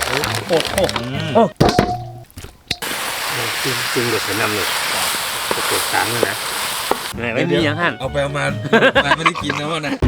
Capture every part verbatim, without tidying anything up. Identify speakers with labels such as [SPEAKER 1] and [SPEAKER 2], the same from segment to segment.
[SPEAKER 1] โอ้โหโอ้จริงจริงเดี๋ยวฉันนำเลยเปิดสามเลยนะไม่มีอย่างนั้น
[SPEAKER 2] เอาไปเอามาไม่ได้กินนะวะนะ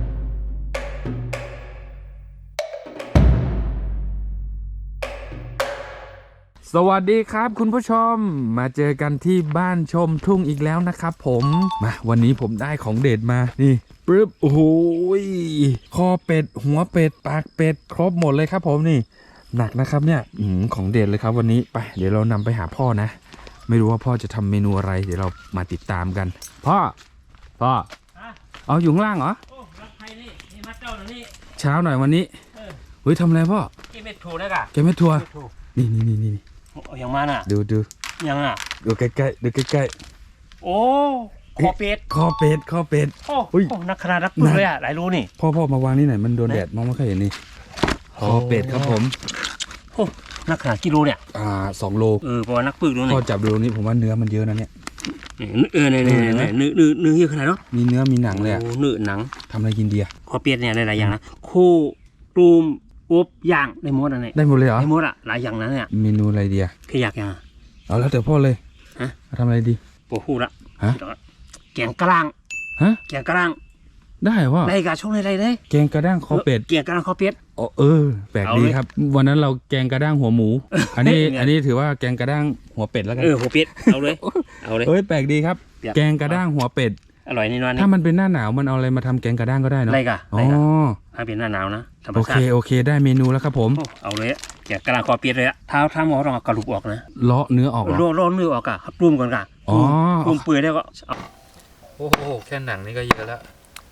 [SPEAKER 2] สวัสดีครับคุณผู้ชมมาเจอกันที่บ้านชมทุ่งอีกแล้วนะครับผมมาวันนี้ผมได้ของเด็ดมานี่ปึ๊บโอ้โหคอเป็ดหัวเป็ดปากเป็ดครบหมดเลยครับผมนี่หนักนะครับเนี่ยอืมของเด็ดเลยครับวันนี้ไปเดี๋ยวเรานำไปหาพ่อนะไม่รู้ว่าพ่อจะทำเมนูอะไรเดี๋ยวเรามาติดตามกันพ่อพ่อเอาอยู่ข้างล่างเหรอ
[SPEAKER 1] โอ้รักใครนี่นี่มาเจ้าหน่อยนี่
[SPEAKER 2] เช้าหน่อยวันนี้เฮ้ยทำอะไรพ่อ
[SPEAKER 1] เก็บเม็ดถั่วได้กะ
[SPEAKER 2] เก็บเม็ดถั่วนี่นี่นี่นี่
[SPEAKER 1] อย่างมันอ่ะ
[SPEAKER 2] ดูดู
[SPEAKER 1] ยังอ่ะ
[SPEAKER 2] ดูใกล้ๆดูใกล้
[SPEAKER 1] ๆโอ้คอเป็ด
[SPEAKER 2] คอเป็ดคอเป็ด
[SPEAKER 1] โอ้โหนักขนาดนักปืนเลยอ่ะหลายรู้นี่
[SPEAKER 2] พ่อพ่อมาวางนี่หน่อยมันโดนแดดมองไม่ค่อยเห็นนี่คอเป็ดครับผม
[SPEAKER 1] โอ้นักขนาดกิโลเนี่ย
[SPEAKER 2] อ่าสองโล
[SPEAKER 1] เออเพราะว่านักปืนรู้นี่
[SPEAKER 2] พ่อจับดูตรงนี้ผมว่าเนื้อมันเยอะนะเนี่ย
[SPEAKER 1] เออเนี่ยเนี่ยเนี่ยเนื้อเนื้อเนื้อเยอะขนาดเนาะ
[SPEAKER 2] มีเนื้อมีหนังเลยอ่ะ
[SPEAKER 1] เนื้อหนัง
[SPEAKER 2] ทำอะไรกินดีอ่ะ
[SPEAKER 1] คอเป็ดเนี่ยหลายๆอย่างนะคู่ตูมอบย่างได้หมดอ่ะเนี่ย
[SPEAKER 2] ได้หมดเลยเหรอ
[SPEAKER 1] ได้หมดอ่ะหลายอย่างนั้นเนี่ย
[SPEAKER 2] เมนูอะไรดีอ่ะ
[SPEAKER 1] แค่อยากอย่าง
[SPEAKER 2] เอาแล้วแต่พ่อเลย
[SPEAKER 1] ฮะ
[SPEAKER 2] ทำอะไรดี
[SPEAKER 1] โอ้โหละ
[SPEAKER 2] ฮะ
[SPEAKER 1] แกงกระด้าง
[SPEAKER 2] ฮะ
[SPEAKER 1] แกงกระด้าง
[SPEAKER 2] ได้ว่า
[SPEAKER 1] ได้กะช่วงอะไรเลย
[SPEAKER 2] แกงกระด้างคอเป็ด
[SPEAKER 1] แกงกระด้างคอเป็ด
[SPEAKER 2] อ๋อเออแปลกดีครับวันนั้นเราแกงกระด้างหัวหมูอันนี้อันนี้ถือว่าแกงกระด้างหัวเป็ดแล้วกัน
[SPEAKER 1] เออหัวเป็ดเอาเลยเอาเลย
[SPEAKER 2] เอ้ยแปลกดีครับแกงกระด้างหัวเป็ด
[SPEAKER 1] อร่อยนี่นอน
[SPEAKER 2] ถ้ามันเป็นหน้าหนาวมันเอาอะไรมาทำแกงกระด้างก็ได้เนาะ
[SPEAKER 1] อะไรกะ
[SPEAKER 2] อ๋อ
[SPEAKER 1] ถ้าเป็นหน้าหนาวนะ
[SPEAKER 2] โอเคโอเคได้เมนูแล้วครับผม
[SPEAKER 1] เอาเลยแกงกระด้างคอเป็ดเลยอะเท้าท้าหมอต้องเอากระดูกออกนะ
[SPEAKER 2] เลาะเนื้อออกเหรอ
[SPEAKER 1] เลาะเนื้อออกอะปรุงก่อนกะ
[SPEAKER 2] อ๋อ
[SPEAKER 1] ปรุงเปื่อยแล้วก็
[SPEAKER 2] โอ้โหแค่หนังนี่ก็เยอะแล้ว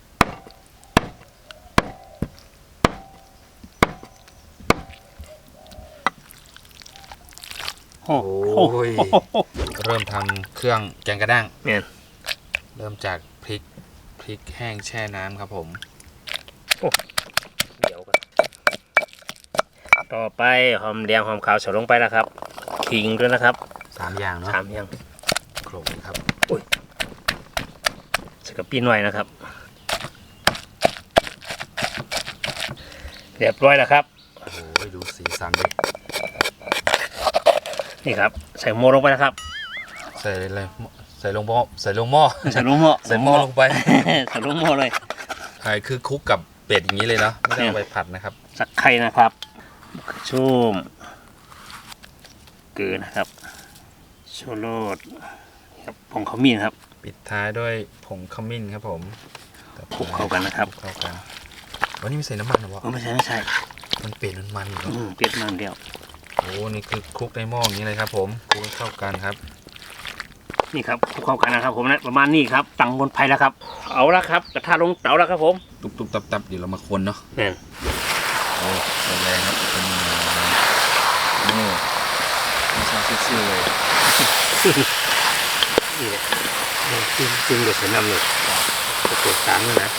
[SPEAKER 1] โอ้โห
[SPEAKER 2] เริ่มทำเครื่องแกงกระด้าง
[SPEAKER 1] เนี่ย
[SPEAKER 2] เริ่มจากพริกพริกแห้งแช่น้ำครับผม
[SPEAKER 1] เดี๋ยวกันต่อไปหอมแดงหอมขาวใส่ลงไปนะครับขิงด้วยนะครับ
[SPEAKER 2] สามอย่างเนาะ
[SPEAKER 1] สามอย่าง
[SPEAKER 2] โขลกครับ
[SPEAKER 1] อุ้ยใส่กระปิหน่อยนะครับเรียบร้อยแล้วครับ
[SPEAKER 2] โอ้ยดูสีสันดิ
[SPEAKER 1] นี่ครับใส่โม่ลงไปนะครับ
[SPEAKER 2] ใส่อะไรใส่ลงหม้อใส่ลงหม้อ
[SPEAKER 1] ใส่ลงหม้อ
[SPEAKER 2] ใส่หม้อลงไป
[SPEAKER 1] ใส่ลงหม้อเลย
[SPEAKER 2] ใช่คือคลุกกับเป็ดอย่างนี้เลยเนาะไม่ได้เอาไปผัดนะครับ
[SPEAKER 1] สักไข่นะครับชุ่มเกลือนะครับชูรสครับผงขมิ้นครับ
[SPEAKER 2] ปิดท้ายด้วยผงขมิ้นครับผม
[SPEAKER 1] คลุกเข้ากันนะครับ
[SPEAKER 2] เข้ากันวันนี้ไม่ใส่น้ำมันหรอวะ
[SPEAKER 1] ไม่ใช่ไม่ใช่
[SPEAKER 2] มันเป็ดมันมันอยู่
[SPEAKER 1] เป็ดมันเดียว
[SPEAKER 2] โอ้นี่คือคลุกในหม้ออย่างนี้เลยครับผมคลุกเข้ากันครับ
[SPEAKER 1] นี่ครับคลุกเข้ากันนะครับผมนะประมาณนี้ครับตั้งบนไฟแล้วครับเอาละครับกระทะลงเตาแล้วครับผม
[SPEAKER 2] ตุบตุบตับตับเดี๋ยวเรามาคนเนาะ
[SPEAKER 1] เนี่ย
[SPEAKER 2] โอ้แรงครับเป็นโอ้ไม่ชอบซื่อเลย
[SPEAKER 1] นี่แหละจริงจริงเดี๋ยวฉันนำเลยจะเปิดสามเลยนะ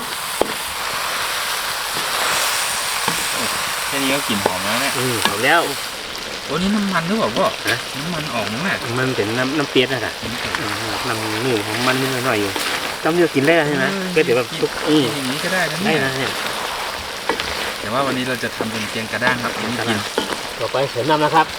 [SPEAKER 2] แค่นี้ก็กลิ่นหอมแล้วเนี่ย
[SPEAKER 1] อืมหอมแล้ว
[SPEAKER 2] โอ้นี่น้ำมันหรือเปล่าพ่อน้ำมันออกมั้งแม่
[SPEAKER 1] มันเป็นน้ำน้ำเปี๊ยกนะค่ะน้ำนี่ของมันนิดหน่อยอยู่ต้องเลือกกินได้ใช่ไหมก็เดี๋ยวแบบชุบอืม
[SPEAKER 2] อย่างนี้ก็ได้นะ
[SPEAKER 1] ได้นะเนี่ย
[SPEAKER 2] แต่ว่าวันนี้เราจะทำเป็นแกงกระด้างครับอันนี้กิน
[SPEAKER 1] ต่อไปเสริมน้ำนะครับ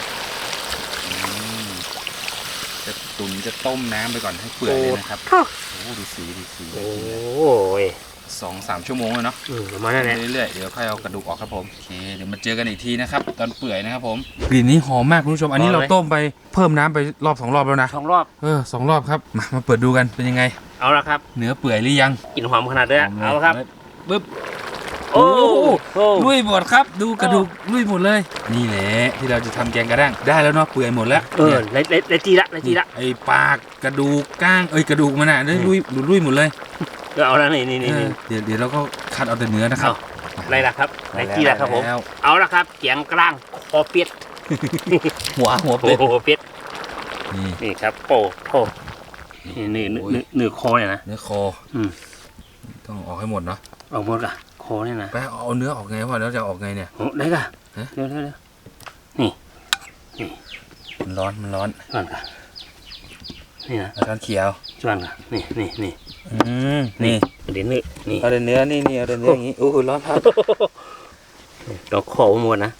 [SPEAKER 2] จะตุ๋นจะต้มน้ำไปก่อนให้เปื่อยเลยนะครับโอ้ดูสีดูสี
[SPEAKER 1] โอ้ย
[SPEAKER 2] สองสามชั่วโมงเลยเนาะ
[SPEAKER 1] ประมาณนั้นแหละ
[SPEAKER 2] เรื่อยๆเดี๋ยวค่อยเอากระดูกออกครับผมโอเคเดี๋ยวมาเจอกันอีกทีนะครับตอนเปื่อยนะครับผมกลิ่นนี้หอมมากคุณผู้ชมอันนี้เราต้มไปเพิ่มน้ำไปรอบสองรอบแล้วนะ
[SPEAKER 1] สองรอบ
[SPEAKER 2] เออสองรอบครับมามาเปิดดูกันเป็นยังไง
[SPEAKER 1] เอาละครับ
[SPEAKER 2] เนื้อเปื่อยหรือยัง
[SPEAKER 1] กลิ่นหอมขนาดนี้เอาละครับ
[SPEAKER 2] ปึ๊บโอ้ลุยหมดครับดูกระดูกลุยหมดเลยนี่แหละที่เราจะทำแกงกระด้างได้แล้วเนาะเปื่อยหมดแล้ว
[SPEAKER 1] เออเลเลเลจีละเลจีละ
[SPEAKER 2] ไอปากกระดูกก้างเอ้ยกระดูกมันอ่ะได้ลุยลุยหมดเลย
[SPEAKER 1] เอาแล้วนี่นี่นี่
[SPEAKER 2] เดี๋ยวเดี๋ยวเราก็คัดเอาแต่เนื้อนะครับ
[SPEAKER 1] อะไรล่ะครับเลจีละครับผมเอาละครับแกงกระด้างคอเป็ด
[SPEAKER 2] หัวหัวเป็ด
[SPEAKER 1] หัวเป็ดนี่นี่ครับโป้โป้นี่เนื้อเนื้อเนื้อคอเนี่ยนะ
[SPEAKER 2] เนื้อคออืมต้องออกให้หมดเนาะ
[SPEAKER 1] ออกหมดอ่ะคอเนี่ยนะ
[SPEAKER 2] ไปเอาเนื้อออกไงวะแล้วจะออกไงเนี่ย
[SPEAKER 1] โอ้ได้ก่ะเดี๋ยวเดี๋ยวนี่นี่
[SPEAKER 2] มันร้อนมันร้อน
[SPEAKER 1] ก่อนก่ะนี่นะ
[SPEAKER 2] ร้อนเขียว
[SPEAKER 1] จวนก่ะนี่นี่นี่
[SPEAKER 2] อืมนี่
[SPEAKER 1] เดี๋ยวเนื้อนี่
[SPEAKER 2] เอาเนื้อนี่นี่เอาเนื้ออย่างงี้โอ้โหร้อนครับ
[SPEAKER 1] เราขอหมดนะ
[SPEAKER 2] โอเค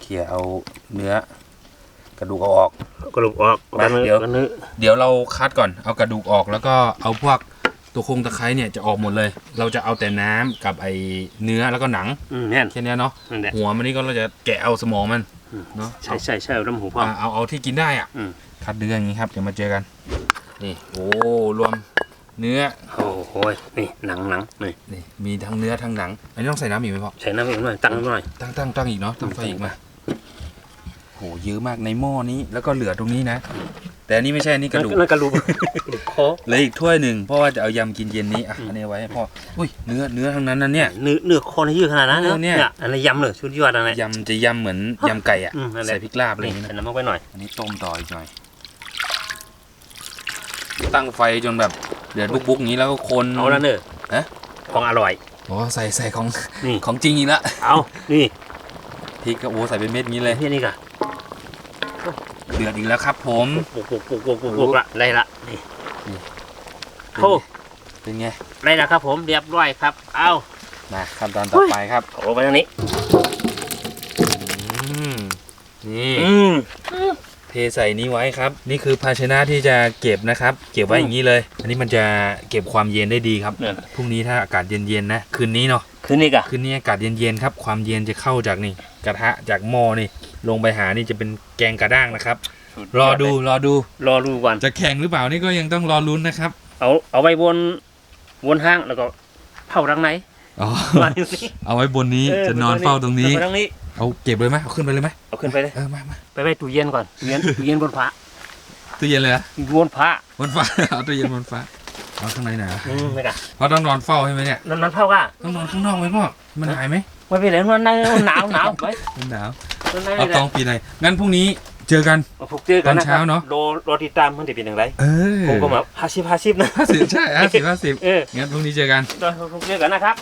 [SPEAKER 2] ขี่ยเอาเนื้อกระดูกเอาออก
[SPEAKER 1] กระดูกออก
[SPEAKER 2] มาเดี๋ยว
[SPEAKER 1] กันเนื้อ
[SPEAKER 2] เดี๋ยวเราคัดก่อนเอากระดูกออกแล้วก็เอาพวกตัวโครงตะไคร้เนี่ยจะออกหมดเลย เราจะเอาแต่น้ำกับไอเนื้อแล้วก็หนัง
[SPEAKER 1] อืมแน่น
[SPEAKER 2] แค่นี้เนาะ
[SPEAKER 1] นั่นแหละ
[SPEAKER 2] หัวมันนี่ก็เราจะแกะเอาสมองมันเนาะ
[SPEAKER 1] ใช่ใช่ใช่น้ำหูพ่อ
[SPEAKER 2] เอาเอาเอาที่กินได้อ่ะ
[SPEAKER 1] อืม
[SPEAKER 2] คัดเนื้ออย่างนี้ครับเดี๋ยวมาเจอกันนี่โอ้รวมเนื้อ
[SPEAKER 1] โอ้โหนี่หนังหนังนี่
[SPEAKER 2] นี่มีทั้งเนื้อทั้งหนังอันนี้ต้องใส่น้ำอีกไหมพ่อ
[SPEAKER 1] ใส่น้ำอีกหน่อยตั้งหน่อย
[SPEAKER 2] ตั้งตั้งตั้งอีกเนาะตั้งไฟอีกมาโหเยอะมากในหม้อนี้แล้วก็เหลือตรงนี้นะ แต่อันนี้ไม่ใช่อันนี้กระดูก
[SPEAKER 1] นั่นกระดูกคอ
[SPEAKER 2] เหลืออีกถ้วยหนึ่งเพราะว่าจะเอายำกินเย็นนี้อ่ะอันนี้ไว้ให้พ่ออุ้ยเนื้อเนื้อทั้งนั้นนะเนี่ย
[SPEAKER 1] เนื้อเนื้อคอนี่ยืดขนาดนั้น
[SPEAKER 2] เออเนี่ย
[SPEAKER 1] อันนี้ยำเลยชุดยอดอะไร
[SPEAKER 2] ยำจะยำเหมือนยำไก่อ่ะ
[SPEAKER 1] อืมนั่นแหละ
[SPEAKER 2] ใส่พริกลาบอะไรอย่าง
[SPEAKER 1] นี่
[SPEAKER 2] เงี้ย
[SPEAKER 1] ใส่
[SPEAKER 2] นะ
[SPEAKER 1] น้ำมันไปหน่อย
[SPEAKER 2] อันนี้ต้มต่ออีกหน่อย ตั้งไฟจนแบบเดือดบุกๆอย่างนี้แล้วก็คน
[SPEAKER 1] เอาแล้วเนอะ
[SPEAKER 2] ฮะ
[SPEAKER 1] ของอร่อย
[SPEAKER 2] โอ้ใส่ใส่ของ
[SPEAKER 1] นี่
[SPEAKER 2] ของจริงอีกแล้ว
[SPEAKER 1] เอานี่
[SPEAKER 2] พริกก็โอ้ใส่เป็นเม็ดงี้เลย
[SPEAKER 1] ที่นี่ก่ะ
[SPEAKER 2] เดือดอีกแล้วครับผม
[SPEAKER 1] ปุกปุกปุกปุกปุกปุกละไรละนี่
[SPEAKER 2] นี่
[SPEAKER 1] โอ้
[SPEAKER 2] เป็นไง
[SPEAKER 1] ไรละครับผมเรียบร้อยครับ เอา
[SPEAKER 2] มาขั้นตอนต่อไปครับ
[SPEAKER 1] เอาลงไปทางนี้
[SPEAKER 2] อืมนี่
[SPEAKER 1] อืม
[SPEAKER 2] เทใส่นี้ไว้ครับ นี่คือภาชนะที่จะเก็บนะครับ เก็บไว้อย่างนี้เลย อันนี้มันจะเก็บความเย็นได้ดีครับ
[SPEAKER 1] เนี่ย
[SPEAKER 2] พรุ่งนี้ถ้าอากาศเย็นๆนะคืนนี้เนาะ
[SPEAKER 1] คืนนี้ก่ะ
[SPEAKER 2] คืนนี้อากาศเย็นๆครับ ความเย็นจะเข้าจากนี่กระทะจากหม้อนี่ลงไปหานี่จะเป็นแกงกระด้างนะครับ รอดูรอดู
[SPEAKER 1] รอดูก่อน
[SPEAKER 2] จะแข่งหรือเปล่านี่ก็ยังต้องรอลุ้นนะครับ
[SPEAKER 1] เอาเอาไว้บนบนห้างแล้วก็เผาทางไหน
[SPEAKER 2] อ๋อ
[SPEAKER 1] มาดูสิ
[SPEAKER 2] เอาไว้บนนี้จะนอนเฝ้าตรงนี้
[SPEAKER 1] เอาทางนี้
[SPEAKER 2] เอาเก็บเลยไหมเอาขึ้นไปเลยไหม
[SPEAKER 1] เอาขึ้นไปเลย
[SPEAKER 2] เออมามา
[SPEAKER 1] ไปไว้ตู้เย็นก่อนตู้เย็นตู้เย็นบนฟ้า
[SPEAKER 2] ตู้เย็นเลยนะ
[SPEAKER 1] บนฟ้า
[SPEAKER 2] บนฟ้า เอาตู้เย็นบนฟ้าเอาข้างในหนา
[SPEAKER 1] อืมไม่ก่ะ
[SPEAKER 2] เพราะต้องนอนเฝ้าใช่ไหมเนี่ย
[SPEAKER 1] นั่นนั่นเผาก่ะ
[SPEAKER 2] ต้องนอนข้างนอกไหมพ่อมันหายไหม
[SPEAKER 1] ไม่เป็นไรมันหนาวหนาวหนาวไป
[SPEAKER 2] มันหนาว
[SPEAKER 1] มันหนาว
[SPEAKER 2] เอาตองปีไหนงั้นพรุ่งนี้เจอกัน
[SPEAKER 1] พบเจอกันนะ
[SPEAKER 2] ตอนเช้าเนอะ
[SPEAKER 1] โดรอติดตามมันจะเป็นอย่างไร
[SPEAKER 2] เออ
[SPEAKER 1] ผมก็แบบห้าสิบห้าสิบนะ
[SPEAKER 2] ห้าสิบใช่ห้าสิบห้าสิบ
[SPEAKER 1] เออ
[SPEAKER 2] งั้นพรุ่งนี้เจอกัน
[SPEAKER 1] รอพบเจอกันนะครับ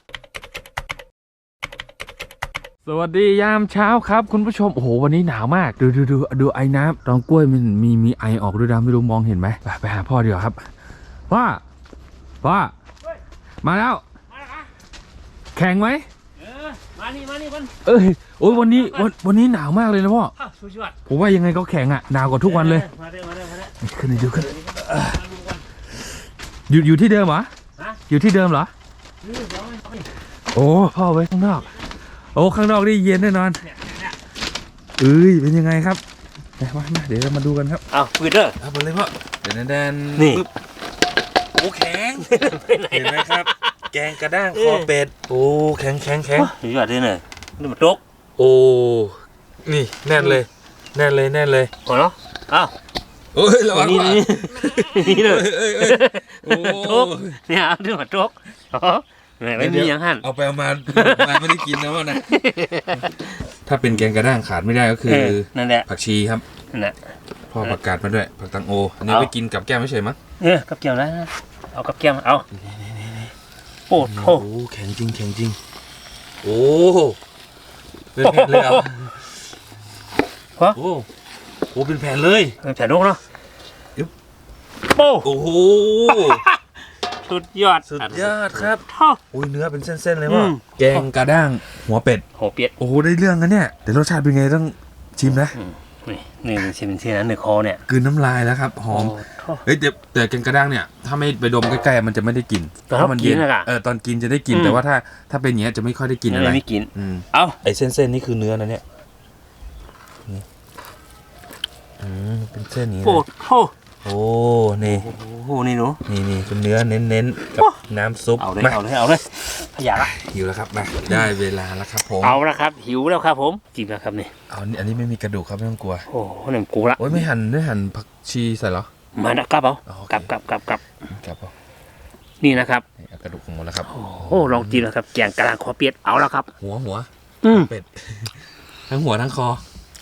[SPEAKER 2] สวัสดียามเช้าครับคุณผู้ชมโอ้โหวันนี้หนาวมากดูดูดูดูไอ้น้ำตองกล้วยมันมีมีไอออกด้วยนะไม่รู้มองเห็นไหมไปไปหาพ่อดีกว่าครับพ่อพ่อมาแล้ว แข่งไหม
[SPEAKER 1] เออมานี่มานี่มัน
[SPEAKER 2] เอ้ยโอ้ยวันนี้วันวันนี้หนาวมากเลยนะพ่อ
[SPEAKER 1] อ้าวสุดยอด
[SPEAKER 2] ผมว่ายังไงก็แข่งอ่ะหนาวกว่าทุกวันเลย
[SPEAKER 1] มาเด้อมาเด้อมาเด้อ
[SPEAKER 2] ขึ้นเลยดูขึ้น
[SPEAKER 1] มาดูกัน
[SPEAKER 2] อยู่อยู่ที่เดิมเหรอ
[SPEAKER 1] ฮะ
[SPEAKER 2] อยู่ที่เดิมเหรอ
[SPEAKER 1] เออเดี๋ยวมันเอานี่
[SPEAKER 2] โอ้พ่อไว้ข้างนอกโอ้ข้างนอกนี่เย็นแน่นอน
[SPEAKER 1] เนี่ยเนี่ย
[SPEAKER 2] เอ้ยเป็นยังไงครับมามามาเดี๋ยวเรามาดูกันครับ
[SPEAKER 1] เอาปืนเด้อ
[SPEAKER 2] เอาไปเลยพ่อเดี๋ยวนั้นแดน
[SPEAKER 1] นี่
[SPEAKER 2] ปึ๊บโอ้แข็ง
[SPEAKER 1] ไปไหน
[SPEAKER 2] เห็นไหมครับ แกงกระด้างคอเป็ดโอ้แข็งแข็งแข็ง
[SPEAKER 1] สุดยอดเลยเนี่ยนี่มันตก
[SPEAKER 2] โอ้นี่แน่นเลย แน่นเลยแน่นเลย
[SPEAKER 1] โอ้เนาะอ้าว
[SPEAKER 2] โอ้ยระวัง
[SPEAKER 1] นี่
[SPEAKER 2] ว่ะ
[SPEAKER 1] นี่นี่เลย
[SPEAKER 2] เอ้ยเอ้ยเอ้ยโอ้
[SPEAKER 1] ตกเนี่ยเอานี่มันตกอ๋อไม่มีอย่างหั่น
[SPEAKER 2] เอาไปเอามามาไม่ได้กินนะว่านะถ้าเป็นแกงกระด้างขาดไม่ได้ก็คือ
[SPEAKER 1] เออนั่นแหละ
[SPEAKER 2] ผักชีครับ
[SPEAKER 1] นั่นแหละ
[SPEAKER 2] พ่อประกาศมาด้วยผักตังโออันนี้
[SPEAKER 1] เอา
[SPEAKER 2] ไปกินกับแก้มไม่ใช่มั้ง
[SPEAKER 1] เออกับเกี่ยวแล้วนะเอากับเกี่ยวเอาโอ้โห
[SPEAKER 2] โอ้แข็งจริงแข็งจริงโอ้เป็นแผ่นเลยเหรอ
[SPEAKER 1] ฮะ
[SPEAKER 2] โอ้โหเป็นแผ่นเลย
[SPEAKER 1] แผ่นนกเนาะ
[SPEAKER 2] อึ๊บ
[SPEAKER 1] โป้
[SPEAKER 2] โอ้โห
[SPEAKER 1] สุดยอด
[SPEAKER 2] สุดยอดครับ
[SPEAKER 1] ท่อ
[SPEAKER 2] โอ้ยเนื้อเป็นเส้นๆเลย
[SPEAKER 1] อื
[SPEAKER 2] ว่ะ
[SPEAKER 1] ม
[SPEAKER 2] แกงกระด้างหัวเป็ด
[SPEAKER 1] โหเปียด
[SPEAKER 2] โอ้โหได้เรื่องกันเนี่ยแต่รสชาติเป็นไงต้องชิมนะ
[SPEAKER 1] นี่นี่มันชิมเชียนะหนึ่งคอเนี่ย
[SPEAKER 2] กลืนน้ำลายแล้วครับหอม
[SPEAKER 1] โท่อ
[SPEAKER 2] เฮ้ยแต่แต่แกงกระด้างเนี่ยถ้าไม่ไปดมใกล้ๆมันจะไม่ได้กลิ่น
[SPEAKER 1] ตอน
[SPEAKER 2] เพราะมันเย็น
[SPEAKER 1] กินน่ะกะ
[SPEAKER 2] เออตอนกินจะได้กลิ่น
[SPEAKER 1] อืม
[SPEAKER 2] แต่ว่าถ้าถ้าเป็นอย่างเงี้ยจะไม่ค่อยได้กลิ่นอะไร
[SPEAKER 1] ไม่กิน
[SPEAKER 2] อืม
[SPEAKER 1] เอา
[SPEAKER 2] ไอ้เส้นๆนี่คือเนื้อนะเนี่ยนี่อืมเป็นเส้นอย่างนี้
[SPEAKER 1] โอ้
[SPEAKER 2] นะ
[SPEAKER 1] โห
[SPEAKER 2] โอ้นี่
[SPEAKER 1] โอ้โหนี่หนู
[SPEAKER 2] นี่นี่เป็นเนื้อเน้นๆกับน้ำซุป
[SPEAKER 1] เอาเลย
[SPEAKER 2] มา
[SPEAKER 1] เอาเลยเอาเลยขยะละ
[SPEAKER 2] หิวแล้วครับมาได้เวลาแล้วครับผม
[SPEAKER 1] เอาละครับหิวแล้วครับผมกินแล้วครับนี่
[SPEAKER 2] เอาอันนี้อันนี้ไม่มีกระดูกครับไม่ต้องกลัว
[SPEAKER 1] โอ้โหหนึ่งกูละ
[SPEAKER 2] โอ้ยไม่หั่นไม่หั่นผักชีใส่เหรอ
[SPEAKER 1] มานะกลับเอา
[SPEAKER 2] อ๋อโอเค
[SPEAKER 1] กลับกลับกลับกลับ
[SPEAKER 2] ครับผม
[SPEAKER 1] นี่นะครับ
[SPEAKER 2] นี่เอากระดูกของหมดแล้วครับ
[SPEAKER 1] โอ้โหลองกินแล้วครับแกงกะลางคอเปียดเอาแล้วครับ
[SPEAKER 2] หัวหัว
[SPEAKER 1] อืม
[SPEAKER 2] เป็ด ทั้งหัวทั้งคอ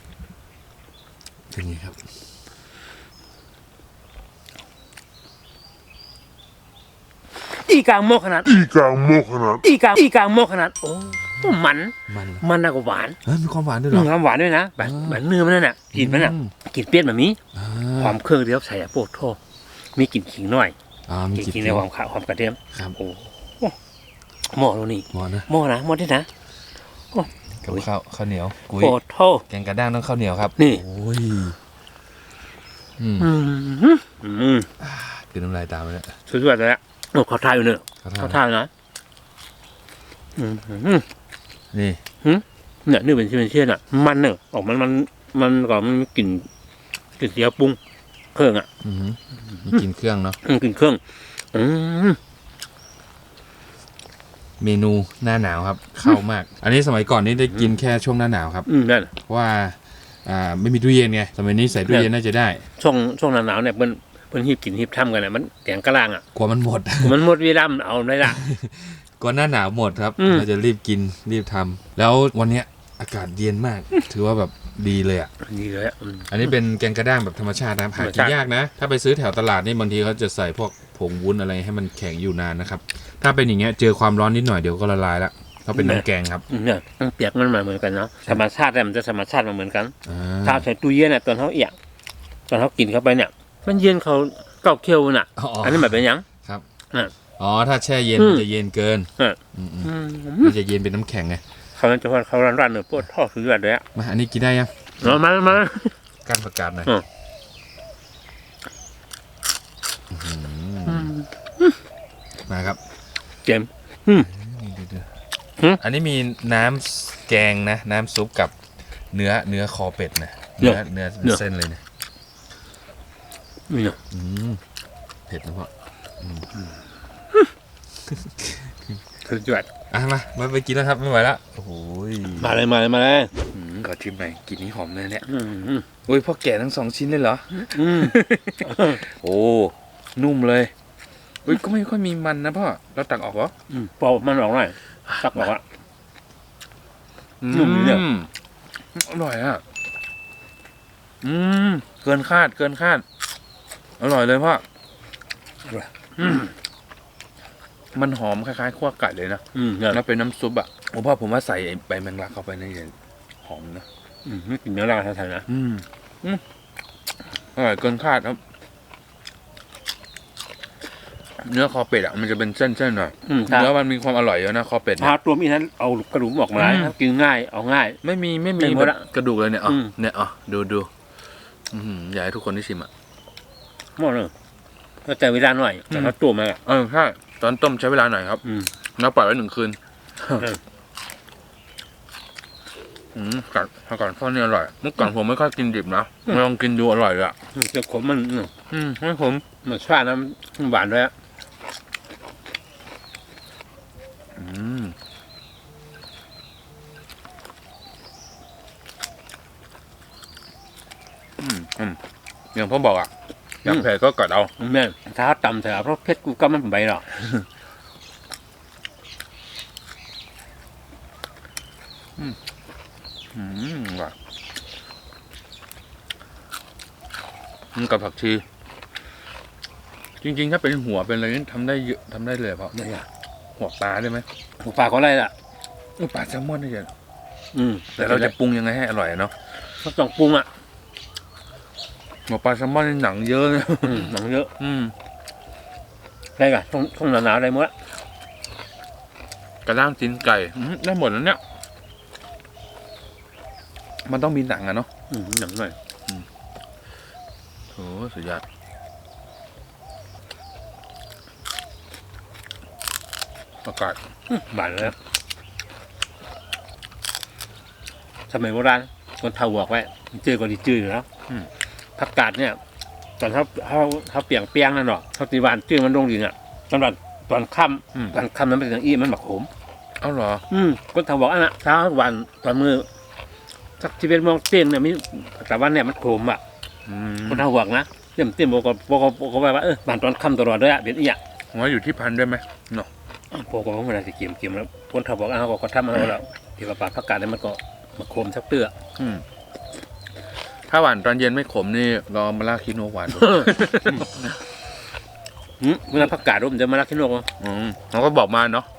[SPEAKER 2] เป็นไงครับ
[SPEAKER 1] อีกลางโมกขนาด
[SPEAKER 3] อีกลางโมกขนาด
[SPEAKER 1] อีกลางอีกลางโมกขนาดโอ้มัน
[SPEAKER 2] มันเหรอ
[SPEAKER 1] มันน่ากว่าหวาน
[SPEAKER 2] เฮ้ยมีความหวานด้วยเหร
[SPEAKER 1] อื
[SPEAKER 2] อ
[SPEAKER 1] มความหวานด้วยนะแบบ
[SPEAKER 2] อ่า
[SPEAKER 1] แบบเนื้อมันนั่นน่ะกลิ่นมันน่ะ
[SPEAKER 2] อื
[SPEAKER 1] กลิ่นเปรี้ยวแบบนี้
[SPEAKER 2] อ่า
[SPEAKER 1] ความเครื่องเดียวใส่อะโปรดโทษมีกลิ่นขิงหน่อย
[SPEAKER 2] อ่ามี
[SPEAKER 1] กลิ่น
[SPEAKER 2] กลิ่น
[SPEAKER 1] ขิงในความขาวความกระเทียม
[SPEAKER 2] ครับ
[SPEAKER 1] โอ้โหหม้อตรงนี้
[SPEAKER 2] หมอนะ
[SPEAKER 1] หม้อนะหม้อที่นะ
[SPEAKER 2] กับข้าวข้าวเหนียวกุ้ย
[SPEAKER 1] โอ้โห
[SPEAKER 2] แกงกระด้างต้องข้าวเหนียวครับ
[SPEAKER 1] นี่
[SPEAKER 2] โอ้ยอืม
[SPEAKER 1] อืมอืม
[SPEAKER 2] คือน้ำลายตามไปแล้ว
[SPEAKER 1] สุดยอดเลยอะโอ้เขาทายอยู่เนอะ
[SPEAKER 2] เขา
[SPEAKER 1] เขา
[SPEAKER 2] ทาน
[SPEAKER 1] ทายนะอืม
[SPEAKER 2] นี่
[SPEAKER 1] เนี่ยนี่เป็นที่เป็นเช่นอ่ะ มันเนอะออกมันมันมันก่อนมันมีกลิ่นกลิ่นเสียปรุงเครื่องอ่ะ
[SPEAKER 2] อือหือมีกินเครื่องเนาะ
[SPEAKER 1] อืมกลิ่นเครื่อง อืม
[SPEAKER 2] เมนูหน้าหนาวครับ เข้ามาก อันนี้สมัยก่อนนี่ได้กินแค่ช่วงหน้าหนาวครับ
[SPEAKER 1] อืมนั่น
[SPEAKER 2] เพราะว่าอ่าไม่มีตู้เย็นไงสมัยนี้ใส่ตู้เย็นน่าจะได้
[SPEAKER 1] ช่วงช่วงหนาวๆเนี่ยเพิ่นเพิ่นหีบกินหีบทำกันเนี่ยมันแกงกะลางอ่ะ
[SPEAKER 2] กลัวมันหมด
[SPEAKER 1] มันหมดเวลามันเอาได้ละ
[SPEAKER 2] ก่อนหน้าหนาวหมดครับ
[SPEAKER 1] อืม
[SPEAKER 2] เราจะรีบกินรีบทำแล้ววันเนี้ยอากาศเย็นมาก ถือว่าแบบดีเลยอ่ะ
[SPEAKER 1] นี่เลยอะอืม
[SPEAKER 2] อันนี้เป็นแกงกระด้างแบบธรรมชาตินะครับหา
[SPEAKER 1] ธรรม
[SPEAKER 2] กิ
[SPEAKER 1] ชาน ติ
[SPEAKER 2] ยากนะ ถ้าไปซื้อแถวตลาดนี่บางทีเขาจะใส่พวกผงวุ้นอะไรให้มันแข็งอยู่นานนะครับ ถ้าเป็นอย่างเงี้ยเจอความร้อนนิดหน่อยเดี๋ยวก็ละลายละเขาเป็นน้ำแกงครับ
[SPEAKER 1] อืมเนี่ยมันเปียกมันมาเหมือนกันเนาะธรรมชาติเนี่ยมันจะธรรมชาติมาเหมือนกัน
[SPEAKER 2] อ่
[SPEAKER 1] ถ้าใส่ตู้เย็นเนี่ยตอนเขาเอียงตอนเขากินเข้าไปเนี่ย มันเย็นเขาเก้าเคี่ยวน่ะ
[SPEAKER 2] อ๋อ
[SPEAKER 1] อันนี้แบบเป็นหยัง
[SPEAKER 2] ครับ
[SPEAKER 1] อ่ะ
[SPEAKER 2] อ๋อถ้าแช่เย็น
[SPEAKER 1] อืม
[SPEAKER 2] มันจะเย็นเกิน
[SPEAKER 1] อ่ะ
[SPEAKER 2] อืม
[SPEAKER 1] อืม
[SPEAKER 2] ๆมันจะเย็นเป็นน้ำแข็งไง
[SPEAKER 1] เขาจะว่าเขาร้านร้านเนื้อปวดท่อสุดยอดเลยอะ
[SPEAKER 2] มาอันนี้กินได้ยัง
[SPEAKER 1] มามามา
[SPEAKER 2] การประกาศหน่อย
[SPEAKER 1] อืม
[SPEAKER 2] อื้อหือมาครับ
[SPEAKER 1] เจม
[SPEAKER 2] นี่ดู
[SPEAKER 1] หืม
[SPEAKER 2] ๆอันนี้มีน้ำแกงนะ น้ำซุปกับเนื้อเนื้อคอเป็ดนะ
[SPEAKER 1] เนื้
[SPEAKER 2] เนื้
[SPEAKER 1] อ
[SPEAKER 2] อเนื้อ
[SPEAKER 1] เนื้อ
[SPEAKER 2] เส้นเลยนะ
[SPEAKER 1] นี่เนาะ
[SPEAKER 2] อืมเผ็ดนะพ่อ
[SPEAKER 1] สุดยอด
[SPEAKER 2] อ่ะมามาไปกินแล้วครับไม่ไหวแล้วโอ้โหย
[SPEAKER 1] มาเลยมาเลยมาเลย
[SPEAKER 2] อืมขอชิมหน่อยกลินนี้หอมเลยเนี่ย
[SPEAKER 1] อืมอืม
[SPEAKER 2] โอ้ยพ่อแก่ทั้งสองชิ้นเลยเหรอ
[SPEAKER 1] อืม
[SPEAKER 2] โอ้นุ่มเลยอุ้ยก็ไม่ค่อยมีมันนะพ่อเราตักออกเหรอ
[SPEAKER 1] อืมพอมันออกหน่อยสักบอกว่า นุ่มดีเนี่ย
[SPEAKER 2] อืมอร่อยอ่ะอืมเกินคาดเกินคาดอร่อยเลยพ่ออืมมันหอมคล้ายๆขั้วไก่เลยนะ
[SPEAKER 1] อืมเนี่ย
[SPEAKER 2] แล้วเป็นน้ำซุปอ่ะโอ้พ่อผมว่าใส่ไอ้ใบแมงลักเข้าไปนี่จะหอมนะ
[SPEAKER 1] อืมไม่กินเนื้อราไทยๆนะ
[SPEAKER 2] อืมอืมอร่อยเกินคาดครับ เนื้อคอเป็ดอ่ะมันจะเป็นเส้นๆหน่อย
[SPEAKER 1] อืมถ้า
[SPEAKER 2] เนื้อมันมีความอร่อยเยอะนะคอเป็ดเนี่ย
[SPEAKER 1] ถ้าตัวมีนั้นเอากระดูกออกมา
[SPEAKER 2] อืม
[SPEAKER 1] ครับกินง่ายเอาง่าย
[SPEAKER 2] ไม่มีไม่มี
[SPEAKER 1] ไม่หมด
[SPEAKER 2] แบ
[SPEAKER 1] อะ
[SPEAKER 2] บกระดูกเลยเนี่ยอ๋อ
[SPEAKER 1] อืม
[SPEAKER 2] เนี่ยอ๋อดูดูอือหืออยากให้ทุกคนได้ชิมอ่ะ
[SPEAKER 1] หมดเลยก็แต่เวลาหน่อยแต่ถ้าตัวมาอะ
[SPEAKER 2] เออใช่ตอนต้มใช้เวลาหน่อยครับ
[SPEAKER 1] อืม
[SPEAKER 2] แล้วปล่อยไว้หนึ่งคืน
[SPEAKER 1] เออ
[SPEAKER 2] อืมกัดผักกาดทอดนี่อร่อยเมื่อก่อนผมไม่ค่อยกินดิบนะมาลองกินดูอร่อยเลยอ่ะ
[SPEAKER 1] เจ้าขมมันอืม
[SPEAKER 2] อืมให้ผม
[SPEAKER 1] มันชาติน้ำหวานด้วยอะ
[SPEAKER 2] อืมอืมอืมอย่างพ่อบอกอ่ะอยากเผ็ดก็กัดเอา
[SPEAKER 1] แม่นถ้าตำเถอะเพราะเพชรกูก็ไม่เป็นใบหรอก
[SPEAKER 2] อืมว่ะอืมกับผักชี จริงๆ ถ้าเป็นหัวเป็นอะไรนี่ทำได้เยอะทำได้เลยเพราะ
[SPEAKER 1] ไม่อยาก
[SPEAKER 2] หัวปลาได้ไหม
[SPEAKER 1] หูปลาเขาอะไรล่ะ
[SPEAKER 2] อุ๊ยปลาแซลมอนได้เยอะ
[SPEAKER 1] อืม
[SPEAKER 2] แต่เราจะปรุงยังไงให้อร่อยอะเนาะ
[SPEAKER 1] เขาต้องปรุงอ่ะ
[SPEAKER 2] หัวปลาแซลมอนนี่หนังเยอะนะ
[SPEAKER 1] อืมหนังเยอะ
[SPEAKER 2] อืม
[SPEAKER 1] ได้กะช่วงช่วงหนาวๆได้หมดอะ
[SPEAKER 2] กระด้างตีนไก่อืมได้หมดแล้วเนี่ย มันต้องมีหนังอะเนาะ
[SPEAKER 1] อืมหนังหน่อย
[SPEAKER 2] โอ้สุดยอด ประกาศ
[SPEAKER 1] หวานเลยอะสมัยโบราณคนเฒ่าบอกไว้จื้อก็ดีจื้ออยู่แล้วผักกาดเนี่ยตอนเขาเขาเขาเปียงเปียงนั่นหรอกเขาตีหวานจื้อมันลงดินอ่ะสำหรับตอนค่
[SPEAKER 2] อืม
[SPEAKER 1] ำตอนค่ำนั้นเป็นอย่างอี้มันหมักขม
[SPEAKER 2] เอ้าเหรอ
[SPEAKER 1] อืมคนเฒ่าบอกอันน่ะเช้าวันตอนมือสักชีวิตมองเต้นเนี่ยมีแต่วันเนี่ยมันขมอ่ะ
[SPEAKER 2] อืม
[SPEAKER 1] คนเฒ่าบอกนะเต้นเต้นบอกก็บอกก็บอกก็ว่าเออบ้านตอนค่ำตลอดด้วยอ่ะเป็นอีอ่ะ
[SPEAKER 2] ผมว่าอยู่ที่พันธุ์ด้วยไหมเนาะ
[SPEAKER 1] พวกก็ไม่ได้สิเกี่ยมเกี่ยมแล้วคนเฒ่าบอกอ้าวก็ทำเอาแล้วที่ว่าปลาผักกาดเนี่ยมันก็มาขมสักเตื้อ
[SPEAKER 2] อืม ถ้าหวานตอนเย็นไม่ขมนี่ลองมาลาคิโนหวานดู
[SPEAKER 1] หืมเวลาผักกาดมันจะมาลักขี้นกเหรอ
[SPEAKER 2] อืมเขาก็บอกมาเนาะ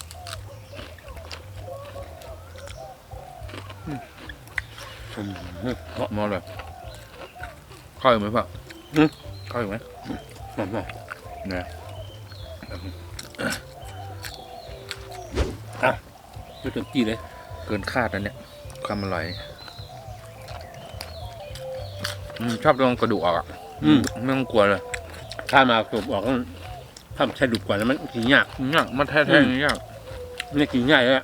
[SPEAKER 2] มอเลยเข้าวอีกไหมพ่อเข้าวอีกไหม
[SPEAKER 1] มามา
[SPEAKER 2] เนี่ย
[SPEAKER 1] อ่ะไม่ต้องจี้เลย
[SPEAKER 2] กินคาดนะเนี่ยความอร่อยอืมชอบตรงกระดูกออกอ่ะ
[SPEAKER 1] อืม
[SPEAKER 2] ไม่ต้องกลัวเลย
[SPEAKER 1] ถ้ามาสูบออกก็ถ้าใช้ดุกกว่าแล้วมันกินยาก
[SPEAKER 2] เนี่ยมันแท้ๆอย่างนี้ย
[SPEAKER 1] ไม่กินง่ายเลย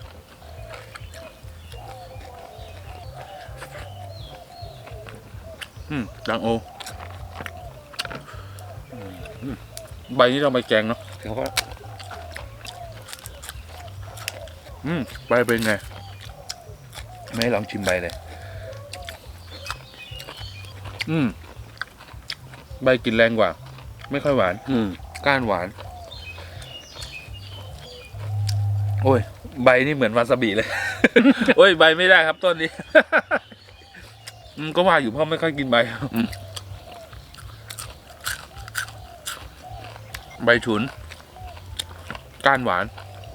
[SPEAKER 2] อืมดังโออืมใบนี้เราไปแกงเนาะ
[SPEAKER 1] เขาก็
[SPEAKER 2] อืมใบเป็นไงไม่ให้ลองชิมใบเลย อืมใบกลินแรงกว่า ไม่ค่อยหวาน
[SPEAKER 1] อืม
[SPEAKER 2] ก้านหวาน โอ้ย ใบนี่เหมือนวาซาบิเลย โอ้ย ใบไม่ได้ครับต้นนี้ อืมก็ว่าอยู่เพราะไม่ค่อยกินใบอืมใบฉุน ก้านหวาน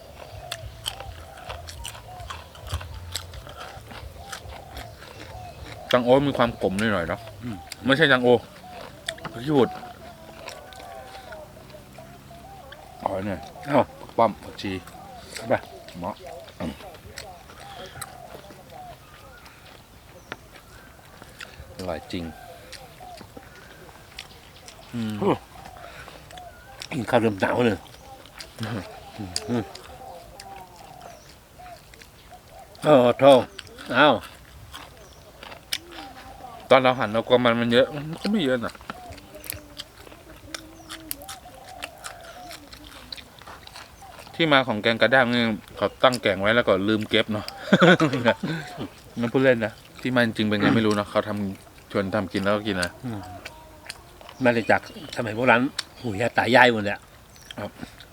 [SPEAKER 2] จังโอมีความขมหน่อยๆเนาะไม่ใช่จังโอพี่บุตรอ๋อเนี่ย
[SPEAKER 1] เอ้า
[SPEAKER 2] ป้อมผักชี
[SPEAKER 1] ไป
[SPEAKER 2] เหมาะอร่อยจริง อืม
[SPEAKER 1] กินข้าวเริ่มหนาวเลยอืมโอ้โธ่เอ้า
[SPEAKER 2] ตอนเราหั่นเรากลัวมันมันเยอะมันก็ไม่เยอะนะที่มาของแกงกระด้างนี่เขาตั้งแกงไว้แล้วก็ลืมเก็บเนาะ นั่นพูดเล่นนะที่มันจริงเป็นไงไม่รู้เนาะเขาทำชวนทำกินแล้วก็กินนะ
[SPEAKER 1] มาเลยจากสมัยโบราณหูยายตายายหมดเลยอะ
[SPEAKER 2] ครับ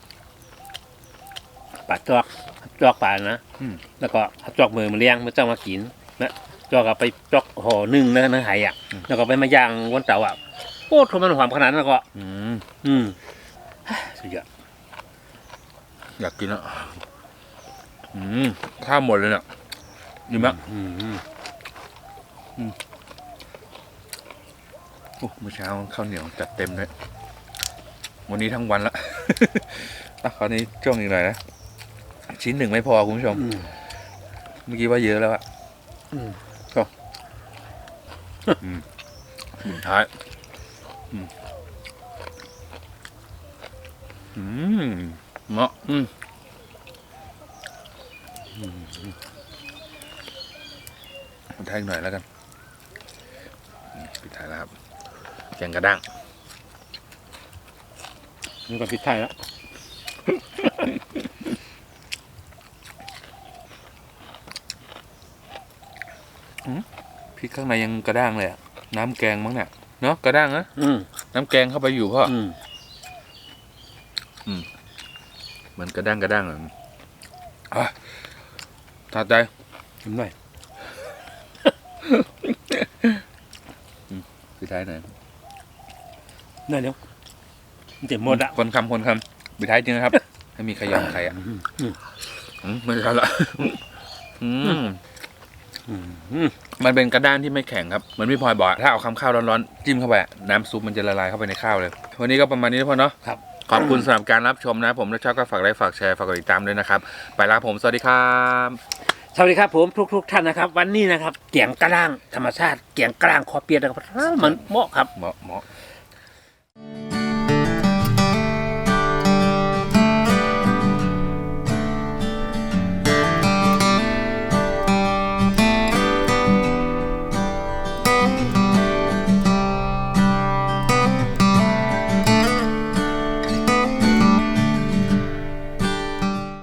[SPEAKER 1] ปลาจอกจอกปลานะ
[SPEAKER 2] อืม
[SPEAKER 1] แล้วก็เอาจอกมือมาเลี้ยงมาจ้องมากินนะจอกเอาไปจอกห่อนึ่งแล้วก็เนื้อไหอ่ะ แล้วก็ไปมาย่างบนเตาอ่ะโอ้ทำไมมันหอมขนาดนั้นแล้วก็
[SPEAKER 2] อืม
[SPEAKER 1] อืมสุดยอด
[SPEAKER 2] อยากกินแล้วอืมข้าวหมดเลยเนี่ยดีมาก
[SPEAKER 1] อืม
[SPEAKER 2] โอ้เมื่อเช้าข้าวเหนียวจัดเต็มเลยวันนี้ทั้งวันละ อ่ะคราวนี้ช่วงอีกหน่อยนะชิ้นหนึ่งไม่พอคุณผู้ชม
[SPEAKER 1] อืม
[SPEAKER 2] เมื่อกี้ว่าเยอะแล้วอะ
[SPEAKER 1] อืม
[SPEAKER 2] อืมสุดท้ายอืมอืมเนาะอืมปิดท้ายอีกหน่อยแล้วกันนี่ปิดท้ายแล้วครับแกงกระด้าง
[SPEAKER 1] นี่ก็พริกไทยแล้ว
[SPEAKER 2] พริกข้างในยังกระด้างเลยอะน้ำแกงมั้งเนี่ยเนาะกระด้างนะ
[SPEAKER 1] อืม
[SPEAKER 2] น้ำแกงเข้าไปอยู่พ่อ
[SPEAKER 1] อืม
[SPEAKER 2] เหมือนกระด้างกระด้างอ่ะอ่ะถัดใจ
[SPEAKER 1] ชิมหน่อย
[SPEAKER 2] ปิดท้ายหน่อย
[SPEAKER 1] น่าเดี๋ยวมันจะหมดอ่ะ
[SPEAKER 2] คนคำคนคำปิดท้ายจริงนะครับ ให้มีใครยอมใครอ่ะ
[SPEAKER 1] อืม
[SPEAKER 2] อืมไม่ใช่ละอืม
[SPEAKER 1] อืมอืม
[SPEAKER 2] มันเป็นกระด้างที่ไม่แข็งครับเหมือนพี่พลอยบอกอะถ้าเอาคำข้าวร้อนๆจิ้มเข้าไปอะน้ำซุปมันจะละลายเข้าไปในข้าวเลย วันนี้ก็ประมาณนี้นะพ่อเนาะ
[SPEAKER 1] ครับ
[SPEAKER 2] ขอบคุณสำหรับการรับชมนะ ผมถ้าชอบก็ฝากไลค์ฝากแชร์ฝากกดติดตามด้วยนะครับไปแล้วผมสวัสดีครับ
[SPEAKER 1] สวัสดีครับผมทุกๆท่านนะครับ วันนี้นะครับเกียงกระด้างธรรมชาติเกียงกระด้างคอเปียกนะครับมันเหมาะครับ
[SPEAKER 2] เหมาะเหมาะ